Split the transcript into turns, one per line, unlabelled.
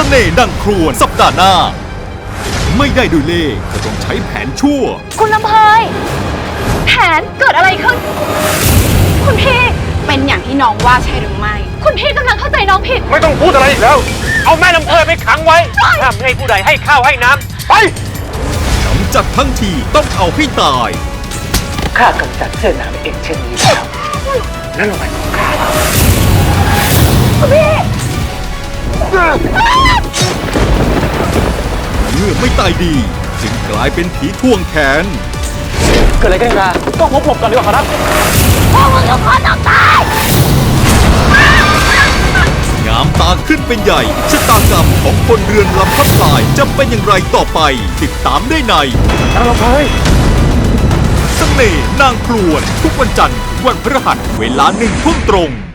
น่ห์ดังครวญสัปดาห์หน้าไม่ได้ด้วยเล่ห์ก็ต้องใช้แผนชั่ว
คุณลำเพยแผนเกิดอะไรขึ้นคุณพี่เป็นอย่างที่น้องว่าใช่หรือไม่คุณพี่กำลังเข้าใจน้องผิด
ไม่ต้องพูดอะไรอีกแล้วเอาแม่ลำเพยไปขังไว้ห้ามให้ผู้ใดให้ข้าวให้น้ำไป
กำจัดทั้งทีต้องเอาให้ตาย
ข้ากำจัดเสื้อหนามเองเช่นนี้แล้วนั่นหมายของข้าแล้ว
คุณพี่
เมื่อไม่ตายดีจึงกลายเป็นผีทวงแขน
เกิดอะไรขึ้นครับต้องหลบก่อนดีกว่าครับ
พวกมึงทุกคนต้องตาย
งามตาขึ้นเป็นใหญ่ชะตากรรมของคนเรือนลำทับลายจะเป็นอย่างไรต่อไปติดตามได้ใน
นางลำเพย
เสน่ห์นางครวญทุกวันจันทร์ถึงวันพฤหัสเวลา1 ทุ่มตรง